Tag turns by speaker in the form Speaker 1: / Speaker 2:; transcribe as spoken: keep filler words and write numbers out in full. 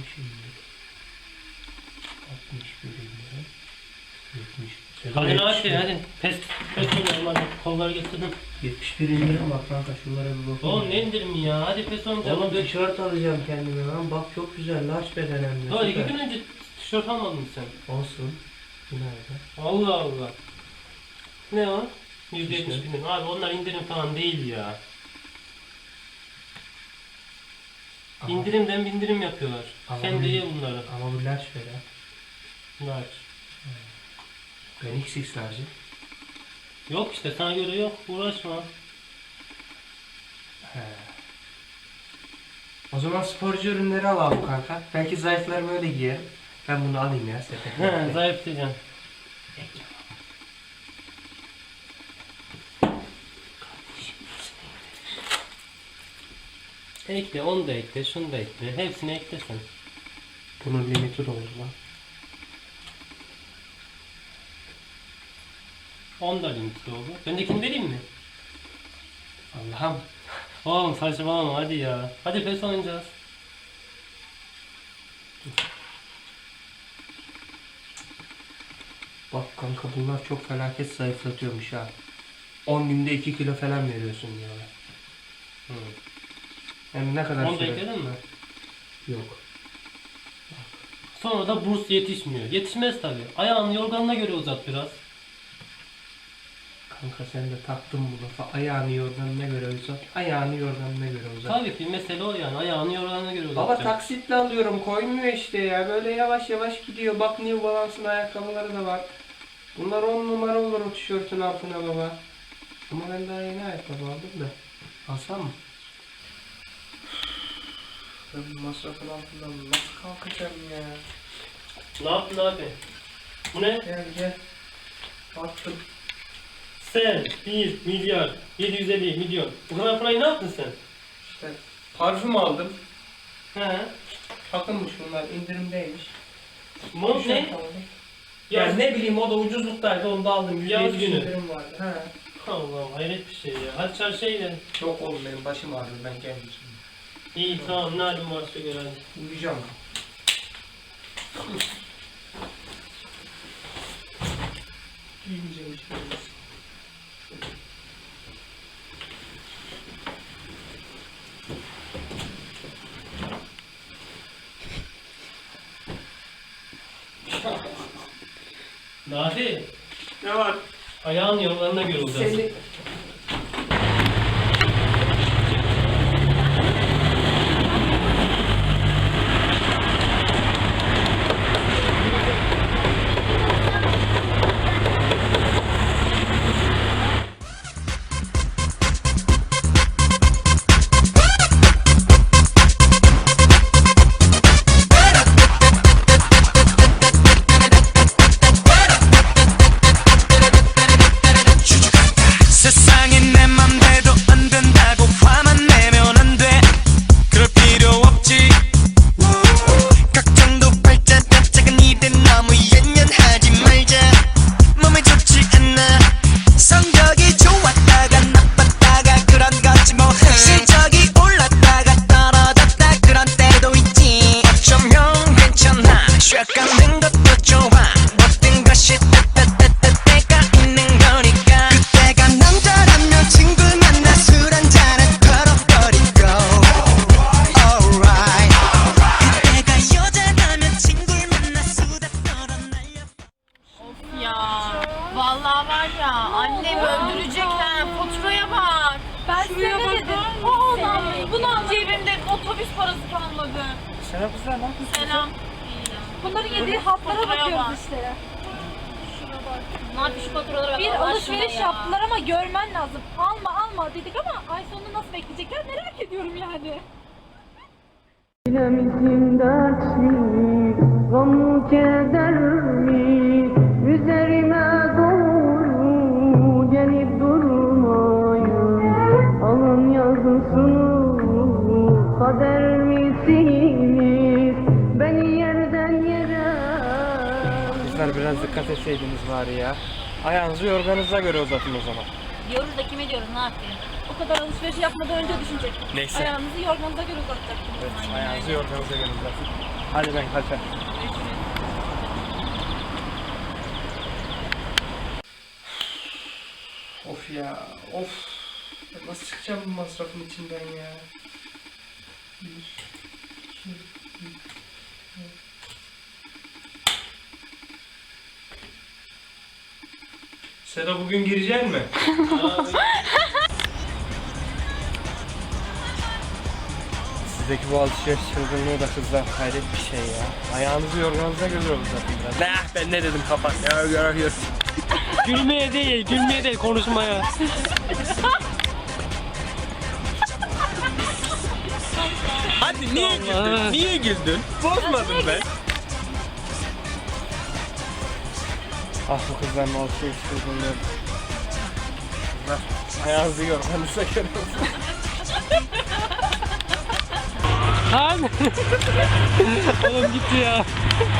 Speaker 1: şimdi? altmış bir indirim. yetmiş.
Speaker 2: Hadi hadi hadi. Pes pes oynayalım hadi. Kolları getirdim.
Speaker 1: yetmiş bir indirim bak kanka, şunlara bir bakalım.
Speaker 2: Oğlum ne indirimi ya? Hadi pes oynayacağım.
Speaker 1: Oğlum tişört alacağım kendime lan. Bak çok güzel. Large beden hem de.
Speaker 2: Daha iki
Speaker 1: Süper.
Speaker 2: gün önce tişört almadın mı sen?
Speaker 1: Olsun. Nerede?
Speaker 2: Allah Allah. Ne o? yüzde yetmiş
Speaker 1: İşte.
Speaker 2: indirim. Abi onlar indirim falan değil ya.
Speaker 1: Ama-
Speaker 2: İndirimden bindirim yapıyorlar.
Speaker 1: Ama
Speaker 2: Sen
Speaker 1: bu-
Speaker 2: de ye bunları.
Speaker 1: Ama bu large beden.
Speaker 2: Bunlar.
Speaker 1: Ben X X large'ım.
Speaker 2: Yok işte sana göre yok. Uğraşma.
Speaker 1: He. O zaman sporcu ürünleri alalım kanka. Belki zayıflarım öyle giyer. Ben bunu alayım ya sepete.
Speaker 2: He zayıf diyeceksin. Ekle, onu da ekle, şunu da ekle. Hepsini eklesen.
Speaker 1: Bunun limiti de olur lan.
Speaker 2: on da limitli oldu. Bendekini vereyim mi?
Speaker 1: Allah'ım.
Speaker 2: Oğlum saçmalama hadi ya. Hadi pes oynayacağız.
Speaker 1: Bak kanka bunlar çok felaket zayıflatıyormuş ha. on günde iki kilo falan veriyorsun diyorlar.
Speaker 2: Hı.
Speaker 1: Hem ne kadar
Speaker 2: Onu da
Speaker 1: süre?
Speaker 2: ekledin mi?
Speaker 1: Yok.
Speaker 2: Sonra da burs yetişmiyor. Yetişmez tabi. Ayağını yorganına göre uzat biraz.
Speaker 1: Kanka sen de taktın bu lafa. Ayağını yorganına göre uzat. Ayağını yorganına göre uzat.
Speaker 2: Tabii ki mesele o yani. Ayağını yorganına göre
Speaker 1: Baba
Speaker 2: uzatacaksın.
Speaker 1: taksitle alıyorum, koymuyor işte ya. Böyle yavaş yavaş gidiyor. Bak New Balance'ın ayakkabıları da var. Bunlar on numara olur o tişörtün altına baba. Ama ben daha yeni ayakkabı aldım da. Alsam mı? Ben bu masrafın altından nasıl kalkacağım ya?
Speaker 2: Ne yaptın abi? Bu ne?
Speaker 1: Gel gel. Attım.
Speaker 2: Sen bir milyar yedi yüz elli milyon. Bu kadar parayı ne yaptın sen?
Speaker 1: İşte parfüm aldım.
Speaker 2: He.
Speaker 1: Takılmış bunlar, indirimdeymiş.
Speaker 2: Mont
Speaker 1: Tişört
Speaker 2: ne?
Speaker 1: aldım.
Speaker 2: Ya
Speaker 1: Ya ne bileyim, o da ucuzluktaydı, onu da aldım. yüzde
Speaker 2: Yaz
Speaker 1: yetmiş
Speaker 2: günü.
Speaker 1: indirim vardı. He.
Speaker 2: Allah'ım hayret bir şey ya. Hadi çarşıya gidelim.
Speaker 1: Çok oğlum, benim başım ağrıyor, ben geldim şimdi.
Speaker 2: İyi tamam ne halin varsa gör hadi.
Speaker 1: Uyuyacağım. Uyuyacağım işte.
Speaker 2: Nafi,
Speaker 1: Ne var?
Speaker 2: ayağın yollarına göre uzatsın.
Speaker 1: Seni...
Speaker 3: 세상에 내 맘대로 안 된다고 화만 내면 안 돼. 그럴 필요 없지. 걱정도 발자다 작은 일에 너무 연연하지 말자. 몸에 좋지 않아. 성적이 좋았다가 나빴다가 그런 거지 뭐. 실적이 올랐다가 떨어졌다 그런 때도 있지. 어쩌면 괜찮아. 쉬어가는 것도 좋아. 모든 것이 때가 있는 거니까. 그때가 남자라면 친구 만나 술 한잔은 털어버리고. Alright. 그때가 여자라면 친구를 만나 수다 떨어날려.
Speaker 4: Of ya. Vallahi var ya. Annem öldürecek ha. Faturaya bak. Ben
Speaker 5: Şuraya
Speaker 4: size ne dedim?
Speaker 5: bakar
Speaker 4: O olan bunu al. Cebimde otobüs parası kalmadı.
Speaker 1: Selam kızlar, ne yapıyorsun?
Speaker 4: Selam.
Speaker 5: Bunların yediği haplara
Speaker 4: Faturaya
Speaker 5: bakıyoruz
Speaker 4: bak.
Speaker 5: işte.
Speaker 4: Ne yapayım şu faturalara bak.
Speaker 5: Bir
Speaker 4: Allah
Speaker 5: alışveriş
Speaker 4: aşkına ya.
Speaker 5: yaptılar ama görmen lazım. Alma alma dedik ama ay sonunu nasıl bekleyecekler merak ediyorum yani.
Speaker 6: Bilemizin dert mi, gam keder mi, üzerime doğru gelip durmayın. Alın yazısını, kader misiniz, beni yerden yere.
Speaker 1: Kızlar biraz dikkat etseydiniz bari ya. Ayağınızı yorganınıza göre uzatın o zaman.
Speaker 4: Diyoruz da kime diyoruz ne yapayım?
Speaker 5: O kadar alışveriş yapmadan önce düşünecek.
Speaker 1: Neyse.
Speaker 5: Ayağınızı yorganınıza göre uzatacaksınız.
Speaker 1: Evet, ayağınızı yorganınıza göre uzatın. Hadi ben kaçar. Of ya, of. Nasıl çıkacağım bu masrafın içinden ya? Bir, iki, üç, dört. Seda bugün girecek mi? Sizdeki bu alışveriş çılgınlığı da kızlar hayret bir şey ya. Ayağınızı yorganınıza göre uzatın biraz. Ne ben ne dedim kapat ya gör gör.
Speaker 2: Gülmeye değil, gülmeye değil, konuşmaya.
Speaker 1: Hadi niye güldün? Niye güldün? Bozmadım ben. Ah bu kızların alışveriş çılgınlığı. Kızlar ayağınızı yorganınıza göre uzatın.
Speaker 2: Lan! Oğlum gitti ya.